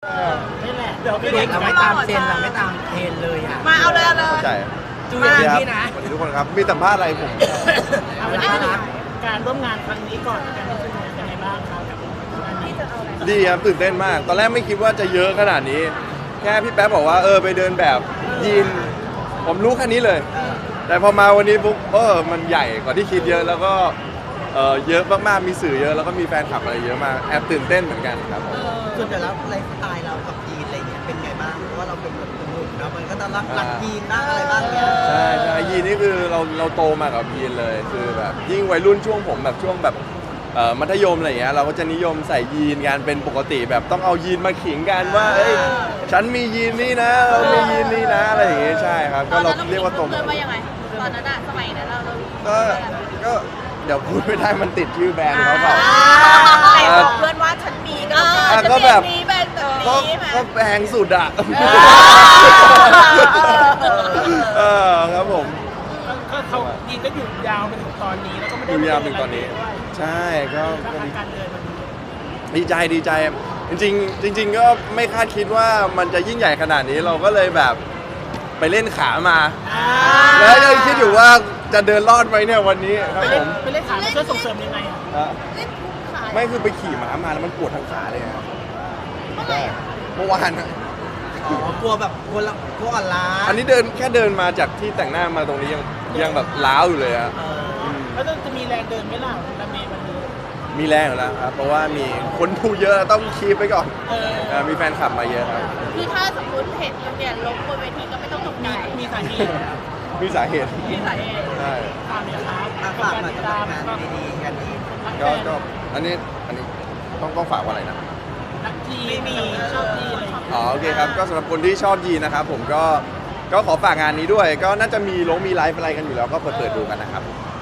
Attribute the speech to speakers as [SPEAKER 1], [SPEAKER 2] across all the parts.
[SPEAKER 1] นี่แหละ
[SPEAKER 2] เดี๋ยวพี่เล็กเราไม่ตามเทรนเราไม่ตามเทรนเลยอ่ะ
[SPEAKER 3] มาเอาเลย
[SPEAKER 4] เข้าใจ
[SPEAKER 2] จูอย่างนี้นะ
[SPEAKER 4] สวัสดีทุกคนครับมีสัมภาษณ์อะไรผม
[SPEAKER 1] เอาวันนี้การร่วมงานครั้งนี้ก่อนการเป็นยังไงบ้างครับ
[SPEAKER 4] ดีครับตื่นเต้นมากตอนแรกไม่คิดว่าจะเยอะขนาดนี้แค่พี่แป๊บบอกว่าไปเดินแบบยีนผมรู้แค่นี้เลยแต่พอมาวันนี้ปุ๊บมันใหญ่กว่าที่คิดเยอะแล้วก็เยอะมากๆมีสื่อเยอะแล้วก็มีแฟนคลับอะไรเยอะมากแอบตื่นเต้นเหมือนกันครับ
[SPEAKER 2] ส่วนแต่แล้วไลฟ์สไตล์เรากับยีนอะไรเงี้ยเป็นไงบ้างเพราะว่าเราเป็นแบบหนุ่มนะมันก็จะรักยีนบ้างอะไรบ้างเนี้ย
[SPEAKER 4] ใช่ยีนนี่คือเราโตมากับยีนเลยคือแบบยิ่งวัยรุ่นช่วงผมแบบช่วงแบบมัธยมอะไรอย่างเงี้ยเราก็จะนิยมใส่ยีนกันเป็นปกติแบบต้องเอายีนมาขิงกันว่าฉันมียีนนี่นะเรามียีนนี่นะอะไรอย่างเงี้ยใช่ครับก็เราเรียกว่าโตมา
[SPEAKER 3] ว่ายังไงตอนนั้นอะสมัยนั้น
[SPEAKER 4] ก็เดี๋ยวพูดไม่ได้มันติดชื่อแบรนด์เขาเปล่า
[SPEAKER 3] แต่บอกเพื่อนว่าฉันมี
[SPEAKER 4] ก็แบบ
[SPEAKER 3] มีแบรนด์แบบนี้
[SPEAKER 4] ก็แพงสุดอะครับผม
[SPEAKER 1] ก็เขายีนก็อยู่ยาวไปถึงตอนนี้แล้วก็ไม่ได้
[SPEAKER 4] อยู่ยาวถึงตอนนี้ใช่ก็ดีใจจริงก็ไม่คาดคิดว่ามันจะยิ่งใหญ่ขนาดนี้เราก็เลยแบบไปเล่นขามาแล้วยังคิดอยู่ว่าจะเดินรอดไหมเนี่ยวันนี้ครับผม
[SPEAKER 1] ไปเล่นขาช่วยส่งเสริมยังไงอ่ะ
[SPEAKER 4] ไม่คือไปขี่ม้ามาแล้วมันปวดทั้งขาเลยครับเมื่อวาน
[SPEAKER 2] กลัวแบบกลัวอ่อนล้า
[SPEAKER 4] อันนี้แค่เดินมาจากที่แต่งหน้ามาตรงนี้ยังแบบล้าวอยู่เลยอะ
[SPEAKER 1] แล้วจะมีแรงเดินไหมล่ะละเมย์มัน
[SPEAKER 4] มีแรงอยู่แล้วครับเพราะว่ามีคนดูเยอะต้องคีบไปก่อนมีแฟนคลับมาเยอะครับ
[SPEAKER 3] คือถ้าสมมติเห็นเนี่ยล้มบนเวทีก็ไม่ต้องตกใจ
[SPEAKER 1] มีสาเหตุ
[SPEAKER 4] ใช่
[SPEAKER 1] ฝากเนี่ยครับ
[SPEAKER 2] ฝากมาจะทำงานดีๆกันดี
[SPEAKER 4] ก็อันนี้ต้องฝากว่าอะไรนะ
[SPEAKER 1] นักทีไม่มีชอบทีอะไร
[SPEAKER 4] โอเคครับก็สำหรับคนที่ชอบยีนนะครับผมก็ขอฝากงานนี้ด้วยก็น่าจะมีไลฟ์อะไรกันอยู่แล้วก็เปิดดูกันนะครับ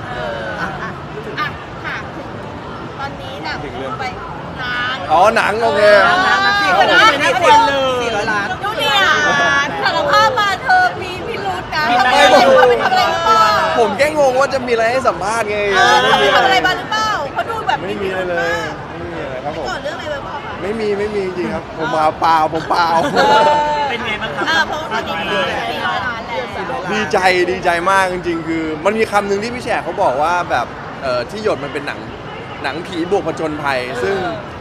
[SPEAKER 3] ตอนนี้หนังไป
[SPEAKER 4] หนังโอเค
[SPEAKER 2] 400 ล้าน
[SPEAKER 3] ดูเนี่ยสารภาพมาเธอมีพิรุธนะทำไมไปทำอะไรหรือเปล่า
[SPEAKER 4] ผมแค่งงว่าจะมีอะไรให้สัมภาษณ์ไง
[SPEAKER 3] ไปทำอะไรมาหรือเปล่าเขาดูแบบ
[SPEAKER 4] ไม่มีอะไรเลยไม่มีอะไรครับผม
[SPEAKER 3] ก่อนเรื่องอะไรไปบ้างคะ
[SPEAKER 4] ไม่มีจริงครับผมเปล่า
[SPEAKER 1] เป็นไงบ้างครับ
[SPEAKER 3] เพราะว่าตอนนี้400 ล้านแล้ว
[SPEAKER 4] ดีใจมากจริงๆคือมันมีคำหนึ่งที่พี่แฉกเขาบอกว่าแบบที่หยดมันเป็นหนังผีบวกผจญภัยซึ่ง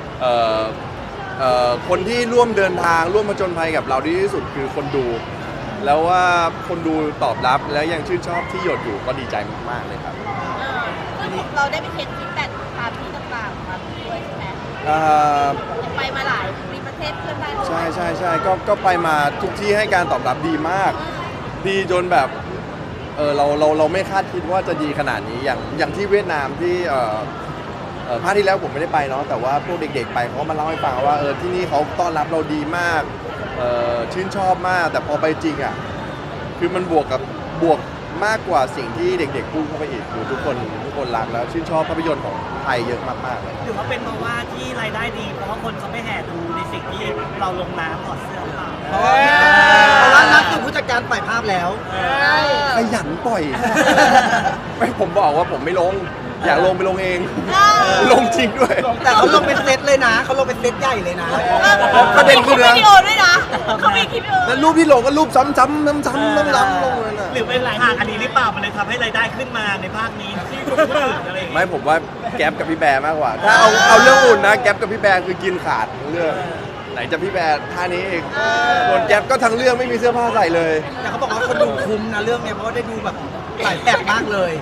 [SPEAKER 4] คนที่ร่วมเดินทางร่วมผจญภัยกับเราดีที่สุดคือคนดูแล้วว่าคนดูตอบรับแล้วยังชื่นชอบที่หยดอยู่ก็ดีใจมากๆเลยครับ
[SPEAKER 3] เราได้ไปเทสฟีดแบ็กตามที่ต่างๆมาด้วยใช่ไหมไปมาหลายประเทศเพื่อนบ้าน
[SPEAKER 4] ใช่ก็ไปมาทุกที่ให้การตอบรับดีมากดีจนแบบเราไม่คาดคิดว่าจะดีขนาดนี้อย่างที่เวียดนามที่ภาคที่แล้วผมไม่ได้ไปเนาะแต่ว่าพวกเด็กๆไปเขาก็มาเล่าให้ฟังว่าที่นี่เขาต้อนรับเราดีมากชื่นชอบมากแต่พอไปจริงอ่ะคือมันบวกมากกว่าสิ่งที่เด็กๆพูดเข้าไปอีกคือทุกคนรักแล้วชื่นชอบภาพยนตร์ของไทยเยอะมากๆเลย
[SPEAKER 1] หรือว่าเป็นเพราะว่าที่รายได้ดีเพราะว่าคนเขาไม่แห่ดูในสิ่งที่เราลงน้ำถอดเสื้อหรือเปล่า
[SPEAKER 2] เพราะว่านักคือผู้จัดการปล่อยภาพแล้ว
[SPEAKER 4] ขยันปล่อยไม่ผมบอกว่าผมไม่ลงอยากลงไปลงเองลงจริงด้วย
[SPEAKER 2] แต่เขาลงเป็นเซตเลยนะเขาลงเป็นเซตใหญ่เลยนะ
[SPEAKER 4] ประเด็นคือ
[SPEAKER 3] วิดีโอด้วยนะเขามีคลิปวิดีโอ
[SPEAKER 4] แล้วรูปที่ลงก็รูปซ้ำๆน้ำลงเลยนะ
[SPEAKER 1] หรือเป็นหลายทางอันนี้หรือเปล่ามันเลยทำให้รายได้ขึ้นมาในภาคนี้ที่คนอื่นอะไร
[SPEAKER 4] ไม่ผมว่าแก๊ปกับพี่แบร์มากกว่าถ้าเอาเรื่องอุ่นนะแก๊ปกับพี่แบร์คือกินขาดเรื่องไหนจะพี่แบร์ท่านี้เองส่วนแก๊ปก็ทั้งเรื่องไม่มีเสื้อผ้าใส่เลย
[SPEAKER 2] แต่เขาบอกว่าคนดูคุ้มนะเรื่องนี้เพราะว่าได้ดูแบบหลายแบบมากเลย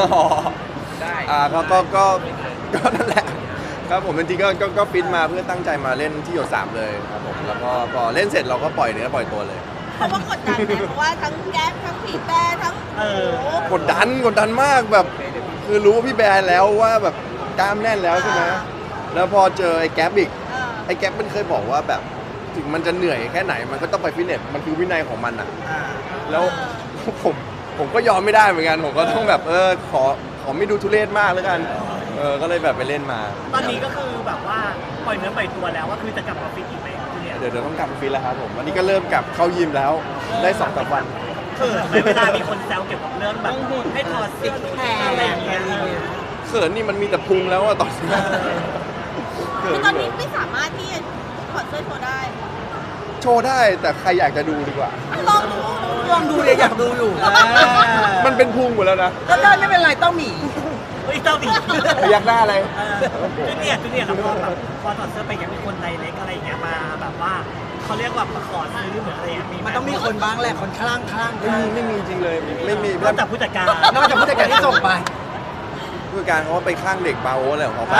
[SPEAKER 4] ก็นั่นแหละครับผมจริงๆก็ฟิตมาเพื่อตั้งใจมาเล่นที่หยด3เลยครับผมแล้วก็พอเล่นเสร็จเราก็ปล่อยเนื้อปล่อยตัวเลย
[SPEAKER 3] เพราะว่ากดดันไหมเพราะว่าทั้งแก๊ปทั้งพี่แบร์ทั้ง
[SPEAKER 4] กดดันมากแบบคือรู้ว่าพี่แบร์แล้วว่าแบบกล้ามแน่นแล้วใช่ไหมแล้วพอเจอไอ้แก๊ปอีกไอ้แก๊ปมันเคยบอกว่าแบบถึงมันจะเหนื่อยแค่ไหนมันก็ต้องไปฟิตเนสมันคือวินัยของมันอ่ะแล้วผมก็ยอมไม่ได้เหมือนกันผมก็ต้องแบบขอไม่ดูทุเรศมากแล้วกันก็เลยแบบไปเล่นมา
[SPEAKER 1] ตอนนี้ก็คือแบบว่าปล่อยเนื้อปล่อยตัวแล้วว่าคือจะกลับมาฟิตอีกไหม
[SPEAKER 4] เดี๋ยวต้องกลับมาฟิตแล้วครับผมวันนี้ก็เริ่มกลับเข้ายิมแล้วได้2-3 วัน
[SPEAKER 1] เวลามีคนแซวเกี่ยวกับเรื่องแบบให้ถอดซิกแพคอะไรอย่างเงี้ย
[SPEAKER 4] เขินนี่มันมีแต่พุงแล้วอะตอนนี้
[SPEAKER 3] คือตอนนี้ไม่สามารถที่จะถอดเสื้อโชว์ได้
[SPEAKER 4] โชว์ได้แต่ใครอยากจะดูดีกว่า
[SPEAKER 2] ลองดูเลยอยากดูอยู่
[SPEAKER 4] มันเป็นพุงหมดแล้วนะ
[SPEAKER 2] ก็ได้ไม่เป็นไรต้องหมี
[SPEAKER 1] เฮ้ยเจ้าดิ
[SPEAKER 4] อยากได้อะไร
[SPEAKER 1] จูเนียร์แล้วพอถอดเสื้อไปยังมีคนไดเล็กอะไรอย่างเงี้ยมาแบบว่าเขาเรียกว่ามาขอซื้อเหมือนอะไรอย่างเงี้ย
[SPEAKER 2] มันต้องมีคนบ้างแหละคนข้าง
[SPEAKER 4] ไม่มีจริงเลยไม่มี
[SPEAKER 1] นอกจากผู้จัดการ
[SPEAKER 2] นอกจากผู้จัดการที่ส่งไป
[SPEAKER 4] ผู้จัดการเขาไปข้างเด็กบาโออะไรของเขาไป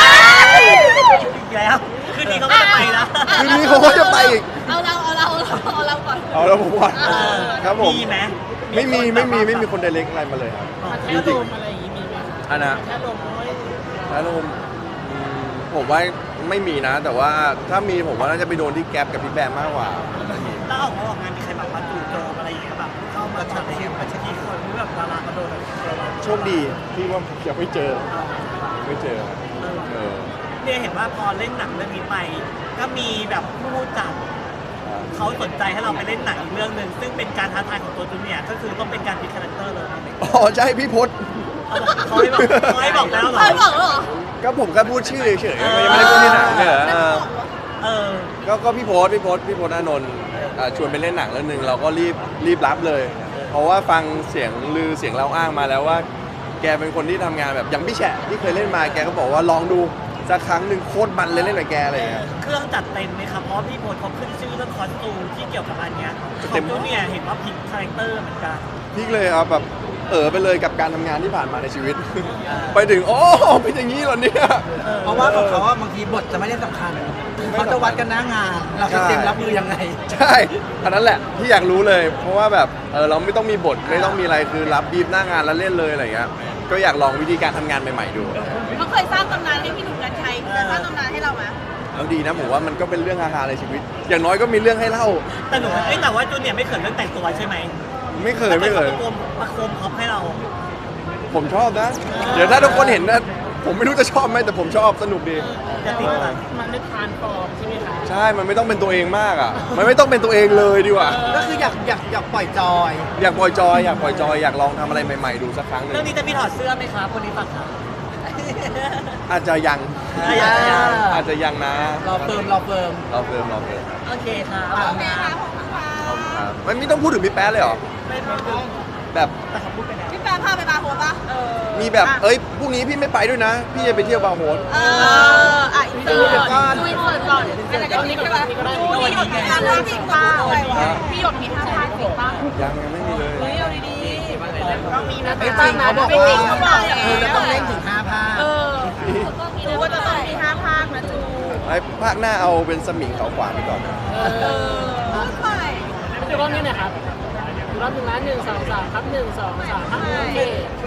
[SPEAKER 1] แล้วคืนนี้เขาก็จะไปนะ
[SPEAKER 4] คืนนี้เขาก็จะไปอีก
[SPEAKER 3] เอาเราก่อน
[SPEAKER 4] เอาแล้วผมว่าครับผม
[SPEAKER 1] มีไหม
[SPEAKER 4] ไม่มีคนไดเรกอะไรมาเลยครับ
[SPEAKER 1] แค่ลมอะไรอย่างงี้มีไหม
[SPEAKER 4] อันนะ
[SPEAKER 1] แค่ลมน้อย
[SPEAKER 4] แล้วผมว่าไม่มีนะ แต่ว่าถ้ามีผมว่าน่าจะไปโดนที่แก๊ปกับพี่แบมมากกว่า
[SPEAKER 1] แล้วออกงานมีใครแบบมาจู่โจมอะไรอย่างเงี้ยแบบเข้ามาช็อตอะไรเงี้ยกี่คนหรือแบบดารามาโดนอะไรเรา
[SPEAKER 4] โชคดีที่ว่ายังไม่เจอเออ
[SPEAKER 1] เนี่ยเห็นว่าพอเล่นหนังเรื่องนี้ไป ก็มีแบบผู้จัดเขาสนใจให้เราไปเล่นหนังอีกเรื่องหนึ่งซึ่งเป็นการท้าทายของตัวจูเนียร์ก็คือต้องเป็นการพลิกคาแรคเตอร์เลย
[SPEAKER 4] อ๋อใช่พี่พศ
[SPEAKER 1] เขาให้บอกแล้วเหรอ
[SPEAKER 3] ใครบอกเหรอ
[SPEAKER 4] ก็ผมแค่พูดชื่อเฉยๆยังไม่ได้พูดที่หนังเนี่ยเหรอ
[SPEAKER 1] เออ
[SPEAKER 4] ก็พี่พศอานนท์ชวนไปเล่นหนังเรื่องหนึ่งเราก็รีบรับเลย เพราะว่าฟังเสียงลือเสียงเล่าอ้างมาแล้วว่า แกเป็นคนที่ทำงานแบบอย่างพี่แฉะที่เคยเล่นมาแกก็บอกว่าลองดูสักครั้งหนึ่งโคตรมันเลยเล่นกับแกอะไรอย่างเงี้ย
[SPEAKER 1] เครื่องจัดเต็มไหมครับเพราะพี่โพสเขาขึ้นชื่อเรื่องคอสตูมที่เกี่ยวกับอันเนี้ยของจูเนียร์เห็นว่าพลิกคาแรคเตอร์เหมือนกัน
[SPEAKER 4] พลิกเลยครับแบบไปเลยกับการทำงานที่ผ่านมาในชีวิต ไปถึงโอ้เป็นอย่างนี้เหรอเนี่ย
[SPEAKER 2] เพราะว่าของเขาบางทีบทจะไม่ได้สำคัญเขาจะวัดกันหน้างาน เราจะเตรียมรับมือยังไง
[SPEAKER 4] ใช่อันนั้นแหละที่อยากรู้เลย เพราะว่าแบบเราไม่ต้องมีบทไม่ต้องมีอะไรคือรับบีบหน้างานแล้วเล่นเลยอะไรอย่างเงี้ยก็อยากลองวิธีการทำงานใหม่ๆดู
[SPEAKER 3] เขาเคยสร้างตำนานให้พี่หนุ่มกัญชัยจะสร้างตำนานให้เราไหม
[SPEAKER 4] แล้วดีนะผมว่ามันก็เป็นเรื่องฮาๆในชีวิต อย่างน้อยก็มีเรื่องให้เล่า
[SPEAKER 1] แต่หนูแต่ว่าจูเนียร์ไม่เขินเรื่องแต่งตัวใช่ไหม
[SPEAKER 4] ไม่เคย
[SPEAKER 1] ประโคมพ็อปให้เรา
[SPEAKER 4] ผมชอบนะ เดี๋ยวถ้าทุกคนเห็นนะผมไม่รู้จะชอบไหมแต่ผมชอบสนุกดี
[SPEAKER 1] จะติดมันไม่ทานฟอร์มใช่ไหมคะ
[SPEAKER 4] ใช่มันไม่ต้องเป็นตัวเองมากอ่ะมันไม่ต้องเป็นตัวเองเลยดีกว่า
[SPEAKER 2] ก็คืออยากปล่อยจอย
[SPEAKER 4] อยากปล่อยจอยอยากลองทำอะไรใหม่ๆดูสักครั้งหนึ่ง
[SPEAKER 1] เรื่องนี้จะมีถอดเสื้อไหมครับคนนี้ฝากถาม
[SPEAKER 4] อาจจะยัง อาจจะยังนะ
[SPEAKER 2] รอเฟิร์ม
[SPEAKER 4] รอเฟิร์ม
[SPEAKER 1] โอเคครับ
[SPEAKER 3] โอเคค่ะขอบคุณค่ะ
[SPEAKER 4] ครับไม่ต้องพูดถึงพี่แป๊ะเลยเหรอ
[SPEAKER 1] ไม่พูด
[SPEAKER 4] แบบ
[SPEAKER 1] แต่เขาพูดไปแล้ว
[SPEAKER 3] พี่แปมพาไปบาร์โฮสปะ
[SPEAKER 4] มีแบบพรุ่งนี้พี่ไม่ไปด้วยนะ พี่จะไปเที่ยวบาร์โฮส
[SPEAKER 3] อินเตอร์ก่อนดูอินเตอร์ก่อนอะไรก็นี้ใช่ปะดูพี่หยดมีท่าทางจริงป่ะพี่หยดมีท่าทางจริงป่ะ
[SPEAKER 4] ยังไม่มีเลย
[SPEAKER 3] เฮ้ยเอาดีๆต้องมีนะ
[SPEAKER 2] ไม่จริงเขาบอกว่าจะต้องเล่นถึง5 ภาค
[SPEAKER 3] ดูว่าจะต้องมี5 ภาคนะจู
[SPEAKER 4] ไอ้ภาคหน้าเอาเป็นสมิงเขาขวางไปก่อน
[SPEAKER 3] พูดไป
[SPEAKER 5] ดูรอบนี้หนะครับดูรอบหนึ่งล้าน1 2 3ครับ1 2 3ครับโอเค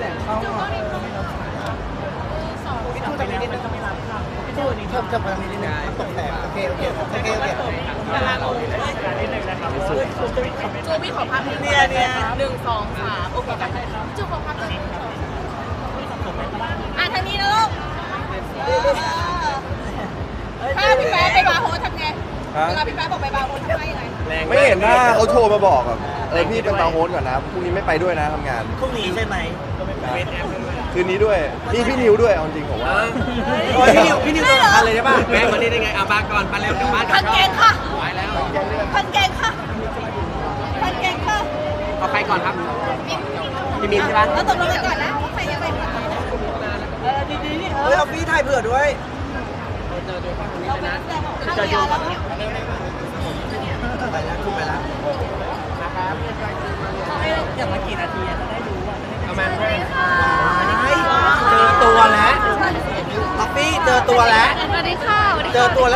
[SPEAKER 1] พี่ตูนไปแล้วมันก็ไม่รับครับพี่ตูนนี่
[SPEAKER 2] เพิ่มพลังนิดนึงตกแต่โอเค
[SPEAKER 1] ดาราเราเลยนิดนึงนะครับ
[SPEAKER 3] จูพี่ขอภาพ1 2 3โอเคกันจูขอภาพ1 2 3ทางนี้นะลูกถ้าพี่แป๊ะไปบาร์โฮสทำไงเวลาพี่แป๊ะบอกไปบาร์โฮสทำไงยังไง
[SPEAKER 4] ไม่เห็นหน้าเขาโทรมาบอกอ่ะพี่เป็นบาร์โฮสก่อนนะพรุ่งนี้ไม่ไปด้วยนะทำงาน
[SPEAKER 1] พรุ่งนี้ใช่ไหม
[SPEAKER 4] คืนนี้ด้วยนี่พี่นิวด้วยเอาจริงผมว่า
[SPEAKER 2] พี่นิวตัวสำคัญเลยใช่ป่ะ
[SPEAKER 6] แม่งมานี่ได้ไงเอามาก่อนไปเร็วกลับบ้านก่อ
[SPEAKER 3] พั
[SPEAKER 6] น
[SPEAKER 3] นเกงค่ะ
[SPEAKER 6] ไปแล้ว
[SPEAKER 3] พันเกงค่ะพันเกงค่ะ
[SPEAKER 6] เอาใครก่อนครับพี่มินใช่ปะ
[SPEAKER 3] แล้วตกลงกันก่อนนะว่าใครจะไปก่อนดีๆ
[SPEAKER 2] เฮ้ยเอาพี่ถ่ายเผื่อด้วย
[SPEAKER 3] เราเป็นนักแสดงของข้าวยาแล้ว
[SPEAKER 2] ไปแล้วคุณไปแล้ว
[SPEAKER 1] อย่างละกี่นาทีจะได้รู้ว่า
[SPEAKER 6] เอามา
[SPEAKER 2] เจอตัวแล้วป๊อปปี้เจอตัวแล้ว
[SPEAKER 3] สวัสดีค่ะ
[SPEAKER 2] เจอตัวแล้ว